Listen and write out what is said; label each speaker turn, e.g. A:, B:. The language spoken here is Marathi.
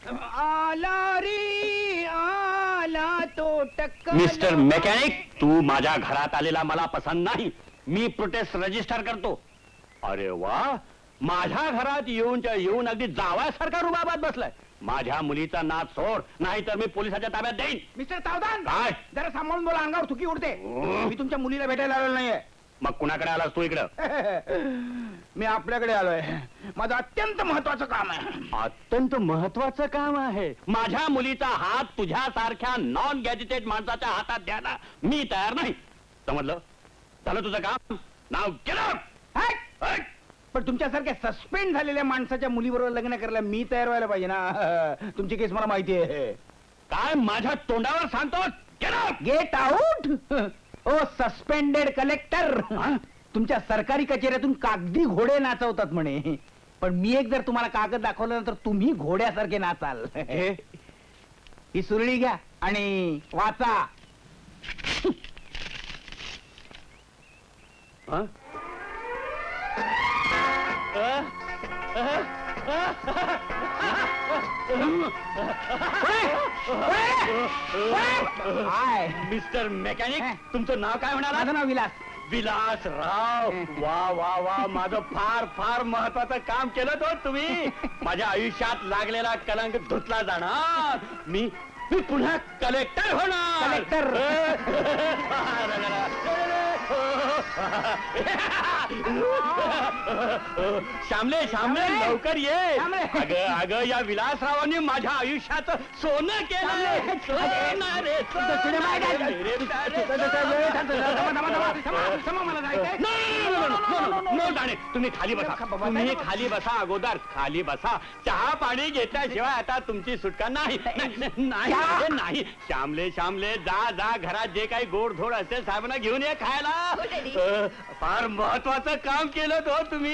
A: आला रे आला तो टक्कर.
B: मिस्टर मेकॅनिक, तू माझ्या घरात आलेला मला पसंत नाही. मी प्रोटेस्ट रजिस्टर करतो. अरे वा, माझ्या घरात येऊन अगदी जावायसारखा रुबाबात बसलाय. माझ्या मुलीचा नाच सोड, नाही तर मी पोलिसाच्या ताब्यात देईन.
A: मिस्टर सावधान,
B: काय?
A: जरा सांभाळून बोला, अंगावर थुकी उडते. मी तुमच्या मुलीला भेटायला आलेलो नाहीये.
B: मग कुणाकडे आलास तू इकडं?
A: मी आपल्याकडे आलोय. माझं अत्यंत महत्वाचं काम आहे.
B: अत्यंत महत्वाचं काम आहे. माझ्या मुलीचा हात तुझ्यासारख्या नॉन गॅजेटेड माणसाच्या हातात द्यायला मी तयार नाही. समजलं? झालं तुझं काम. नाव केलं.
A: हट! पण तुमच्यासारख्या सस्पेंड झालेल्या माणसाच्या मुलीबरोबर लग्न करायला मी तयार व्हायला पाहिजे ना. तुमची केस मला माहिती आहे.
B: काय माझ्या तोंडावर सांगतो?
A: Get out. ओ सस्पेंडेड कलेक्टर, तुमच्या सरकारी कचेऱ्यातून कागदी घोडे नाचवतात म्हणे. पण मी एक जर तुम्हाला कागद दाखवलं तर तुम्ही घोड्यासारखे नाचाल. ही सुरळी घ्या आणि वाचा.
B: मिस्टर मेकॅनिक, तुमचं नाव काय म्हणाला?
A: माझं नाव विलास.
B: विलासराव. वा वा वा, माझं फार फार महत्वाचं काम केलं तो तुम्ही. माझ्या आयुष्यात लागलेला कलंक धुतला जाणार. मी पुन्हा कलेक्टर होणार.
A: कलेक्टर.
B: श्यामले श्यामले, लवकर ये.
A: श्यामले.
B: अगं अगं, या विलासरावांनी माझ्या आयुष्याचं सोनं केलं. सोनं रे नो जाणे. तुम्ही खाली बसा. तुम्ही खाली बसा. अगोदर खाली बसा. चहा पाणी घेतल्याशिवाय आता तुमची सुटका नाही. नाही नाही. श्यामले श्यामले, जा जा, घरात जे काही गोड धोड असेल साहेबांना घेऊन ये खायला. फार महत्वाचं काम केलं तो तुम्ही.